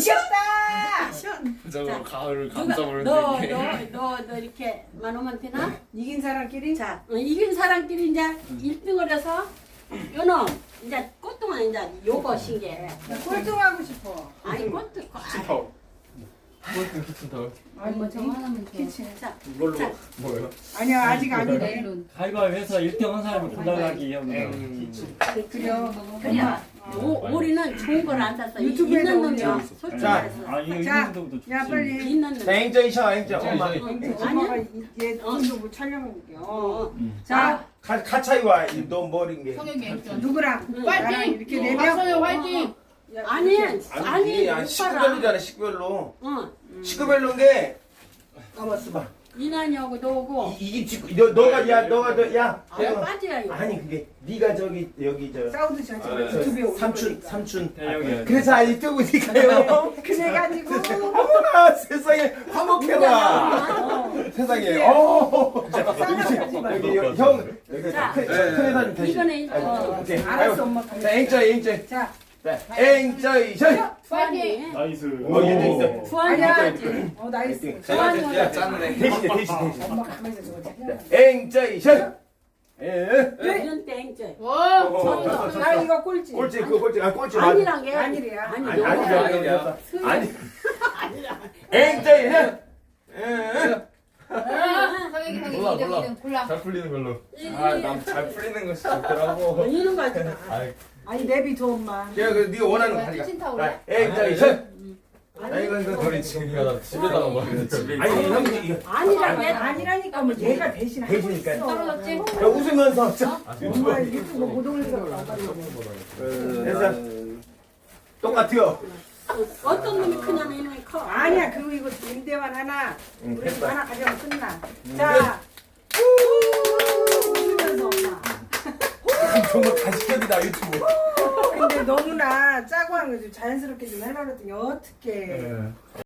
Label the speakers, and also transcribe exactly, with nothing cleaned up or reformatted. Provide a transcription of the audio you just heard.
Speaker 1: 이겼다. 시원.
Speaker 2: 저거 가을을
Speaker 3: 누가
Speaker 2: 감싸보는
Speaker 3: 너,
Speaker 2: 게.
Speaker 3: 너, 너, 너 이렇게 만 오면 되나?
Speaker 1: 이긴 사람끼리.
Speaker 3: 자, 어, 이긴 사람끼리 이제 일 등을 해서 요놈 이제 꽃동안 이제 요거 신게.
Speaker 1: 나 꼴등하고 싶어.
Speaker 3: 아니 꽃도
Speaker 2: 키친타워. 꼴등 키친타워.
Speaker 1: 아니
Speaker 4: 뭐 저거 하나만 줘.
Speaker 1: 키친.
Speaker 3: 자,
Speaker 2: 이걸로
Speaker 3: 자,
Speaker 2: 뭐예요?
Speaker 1: 아니야 아직 아니래.
Speaker 4: 내일은.
Speaker 5: 가위바위보해서 일 등 한 사람이 골라가기 합니다.
Speaker 2: 음.
Speaker 1: 그래요.
Speaker 3: 그래. 오, 우리는 좋은 걸 안 샀어.
Speaker 1: 유튜브에도
Speaker 3: 있는 놈이야.
Speaker 1: 올려.
Speaker 3: 솔직히
Speaker 6: 자.
Speaker 3: 말해서.
Speaker 5: 아 이거
Speaker 1: 자,
Speaker 5: 있는 것도 좋지.
Speaker 1: 야 빨리.
Speaker 3: 있는 놈.
Speaker 6: 행정이셔 행정 엄마
Speaker 1: 엄마가 얘 돈도 못 촬영해볼게. 어.
Speaker 3: 어.
Speaker 1: 자
Speaker 6: 가, 가차이와 너 머린 게
Speaker 4: 성혁이 액션.
Speaker 1: 누구랑?
Speaker 3: 응.
Speaker 1: 나랑
Speaker 4: 화이팅!
Speaker 1: 이렇게 네 명.
Speaker 4: 박성혁 화이팅!
Speaker 1: 야,
Speaker 3: 아니,
Speaker 1: 이렇게.
Speaker 3: 아니,
Speaker 6: 아니
Speaker 3: 오빠랑.
Speaker 6: 식구별로잖아 식구별로
Speaker 3: 어,
Speaker 6: 식구별로인데 까봤어 봐
Speaker 3: 이난이하고 너고.
Speaker 6: 이- 이게 지금 너 너가 야 너가 너야
Speaker 3: 아, 빠져야 이거.
Speaker 6: 아니 그게 네가 저기 여기 저
Speaker 1: 싸우듯이 하지 마.
Speaker 2: 아, 네.
Speaker 1: 유튜브에 올리니까.
Speaker 6: 삼촌 삼촌
Speaker 5: 대형이야.
Speaker 6: 그래서 아니 뜨고니까요
Speaker 1: 그래가지고
Speaker 6: 어머나 세상에 화목해라
Speaker 3: 어.
Speaker 6: 세상에 어
Speaker 1: 싸우지 마.
Speaker 6: 여기 여기 형 여기
Speaker 3: 자,
Speaker 6: 큰 회사님 대신
Speaker 3: 이거는 어.
Speaker 6: 오케이
Speaker 1: 알았어
Speaker 6: 아이고.
Speaker 1: 엄마.
Speaker 6: 자 행저이 행저이
Speaker 1: 자
Speaker 6: 행저이 션
Speaker 3: 주한이.
Speaker 5: 나이스.
Speaker 6: 어, 얘도 있어.
Speaker 3: 주한이
Speaker 1: 아니야.
Speaker 3: 하지.
Speaker 1: 어 나이스.
Speaker 3: 주한이
Speaker 2: 야 짠네.
Speaker 6: 대신에 대신 대신
Speaker 1: 엄마 가면서 저거 촬영.
Speaker 6: 행저이 션 예.
Speaker 3: 이런 때 행제.
Speaker 4: 와!
Speaker 6: 어,
Speaker 1: 나 이거 꼴찌.
Speaker 6: 꼴찌 그거 꼴찌 아 꼴찌 맞아.
Speaker 3: 아니란 게
Speaker 1: 아니래야.
Speaker 3: 아니
Speaker 6: 아니
Speaker 3: 너무
Speaker 6: 아니
Speaker 2: 아니야.
Speaker 6: 아니
Speaker 3: 아니라.
Speaker 6: 행저이 션 예.
Speaker 4: 성혁이 성혁이
Speaker 2: 몰라,
Speaker 4: 이 등
Speaker 2: 몰라.
Speaker 4: 이 등 골라.
Speaker 2: 잘 풀리는 걸로. 아난 잘 풀리는 것이 좋더라고.
Speaker 3: 이런 거 하지 마.
Speaker 2: 아이
Speaker 1: 아니 내비 줘 엄마.
Speaker 6: 제가 그 네가 원하는 거
Speaker 4: 뭐야,
Speaker 6: 가져가
Speaker 4: 키친타올이야?
Speaker 6: 행저이 션
Speaker 3: 아니,
Speaker 6: 이거 이거
Speaker 2: 우리 지금 이거 집에다가 뭐 집에.
Speaker 6: 아니 형이 이거
Speaker 3: 아니란 게
Speaker 1: 아니라니까 뭐 얘가 대신 하고
Speaker 6: 대신이니까.
Speaker 1: 있어.
Speaker 4: 떨어졌지?
Speaker 6: 야, 웃으면서 자,
Speaker 1: 엄마 유튜브 못 올리고
Speaker 6: 그래서 똑같아요
Speaker 3: 어떤 놈이 크냐면 이놈이 커.
Speaker 1: 아니야 그거 이거 임대만 하나
Speaker 6: 응,
Speaker 1: 우리 집
Speaker 6: 됐다.
Speaker 1: 하나 가져가면 끝나. 자 웃으면서 엄마.
Speaker 6: 정말 가식적이다 유튜브
Speaker 1: 근데 너무나 짜고 하는 거지 자연스럽게 좀 해놔 그랬더니 어떡해.